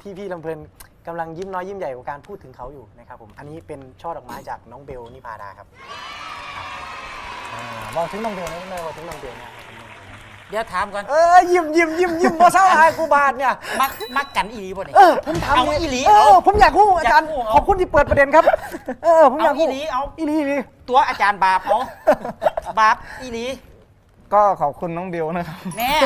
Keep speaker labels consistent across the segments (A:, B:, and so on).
A: ที่พี่ลำเพลินกำลังยิ้มน้อยยิ้มใหญ่กับการพูดถึงเขาอยู่นะครับผมอันนี้เป็นช่อดอกไม้จากน้องเบลนิพาดาครับบอกถึงน้องเบลนะไม่บอกถึงน้องเบลนะ
B: เดี๋ยวถามก่อน
A: ยิ้มบ่เศร้าอายกูบาดเนี่ย
B: มักกันอีหลีบ่เนี่ย
A: ผมถาม
B: เอาอีหลี
A: ผมอยากรู้อาจารย์ขอบคุณที่เปิดประเด็นครับผมอยากรู้
B: อีหลีเอา
A: อีหลี
B: ตัวอาจารย์บาปเอาบาปอีหลี
C: ก็ขอบคุณน้องเบลนะครับ
B: แน่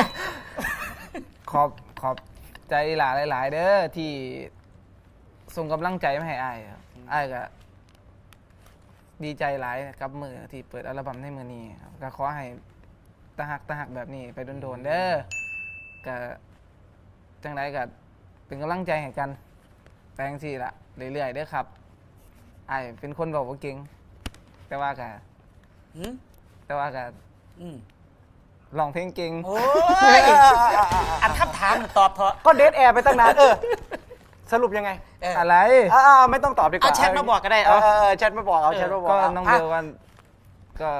C: ขอบใจหลายๆเด้อที่ส่งกำลังใจมาให้อ้ายครับอ้ายก็ดีใจหลายกับมือที่เปิดอัลบั้มในมือนี้ครับก็ขอให้ตะหักแบบนี้ไปโดนๆเด้อก็จังไรก็เป็นกำลังใจให้กันแปลงสิละเรื่อยๆเด้อครับอ้ายเป็นคนบอกว่าเก่งแต่ว่าก็ร้องเพลงเก่ง
B: โอ้ยอันคำถามตอบเถอะ
A: ก็เดทแอร์ไปตั้งนานสรุปยังไง
C: อะไร
A: ไม่ต้องตอบดีกว่า
B: เอาแชทมาบอกก็ได้
A: แชทมาบอกแชทมาบอก
C: ก็น้องเบลวันก็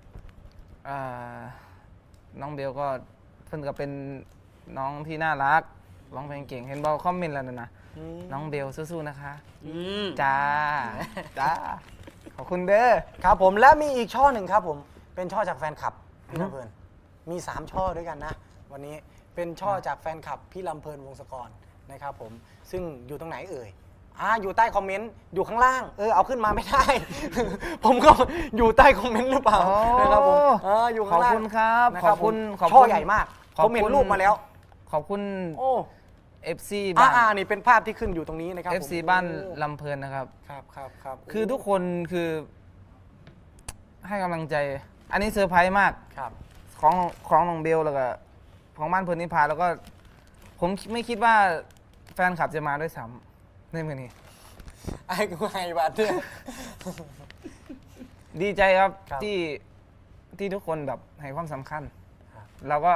C: น้องเบลก็เพิ่นก็เป็นน้องที่น่ารักร้องเพลงเก่งเห็นบอกคอมเมนต์แล้วนะน้องเบลสู้ๆนะคะจ้าขอบคุณเด้อ
A: ครับผมและมีอีกช่อหนึ่งครับผมเป็นช่อจากแฟนคลับพี่ลำเพลินมี3ช่อด้วยกันนะวันนี้เป็นช่อจากแฟนคลับพี่ลำเพลินวงศกรนะครับผมซึ่งอยู่ตรงไหนเอ่ยอยู่ใต้คอมเมนต์อยู่ข้างล่างเอาขึ้นมาไม่ได้ ผมก็อยู่ใต้คอมเมนต์หรือเปล่านะครับผมอยู่ข้างล่าง
C: ขอบคุณครับขอบคุณ
A: ช่อใหญ่มากผมเห็นรูปมาแล้ว
C: ขอบคุณFC
A: บ้านนี่เป็นภาพที่ขึ้นอยู่ตรงนี้นะครับ
C: FC บ้านลำเพลินนะครับ
A: ครับ
C: คือทุกคนคือให้กำลังใจอันนี้เซอร์ไพรส์มากของน้องเบลแล้วก็ของบ้านเพลินนิพาแล้วก็ผมไม่คิดว่าแฟนคลับจะมาด้วยซ้ำในมือนี้
A: ไอ้กูไงบัดเนี่ย
C: ดีใจครับที่ทุกคนแบบให้ความสำคัญเราก็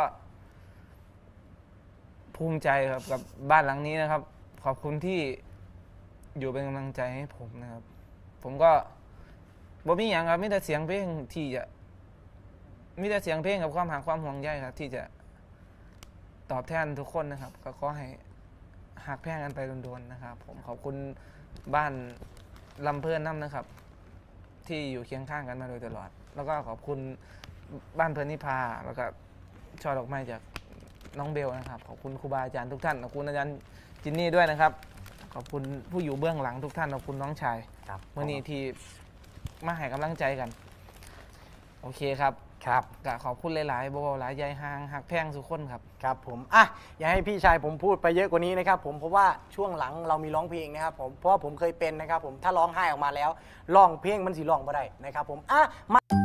C: ภูมิใจครับกับบ้านหลังนี้นะครับขอบคุณที่อยู่เป็นกำลังใจให้ผมนะครับผมก็บ่มีอย่างครับมีแต่เสียงเพลงที่จะมีแต่เสียงเพลงกับความหาความห่วงใยครับที่จะตอบแทนทุกคนนะครับก็ขอให้หักแพงกันไปโดนๆนะครับผมขอบคุณบ้านลำเพลินน้ำนะครับที่อยู่เคียงข้างกันมาโดยตลอดแล้วก็ขอบคุณบ้านเพลินนิพาแล้วก็ช่อดอกไม้จากน้องเบลนะครับขอบคุณครูบาอาจารย์ทุกท่านขอบคุณอาจารย์จินนี่ด้วยนะครับขอบคุณผู้อยู่เบื้องหลังทุกท่านขอบคุณน้องชายเมื่อนี้ที่มาให้กำลังใจกันโอเคครับก็ขอบคุณหลายๆบ่าวหลายใหญ่ห่างหักแพงสุขคน
A: ครับผมอย่าให้พี่ชายผมพูดไปเยอะกว่านี้นะครับผมเพราะว่าช่วงหลังเรามีร้องเพลงนะครับผมเพราะว่าผมเคยเป็นนะครับผมถ้าร้องไห้ออกมาแล้วร้องเพลงมันสิร้องบ่ได้นะครับผมมา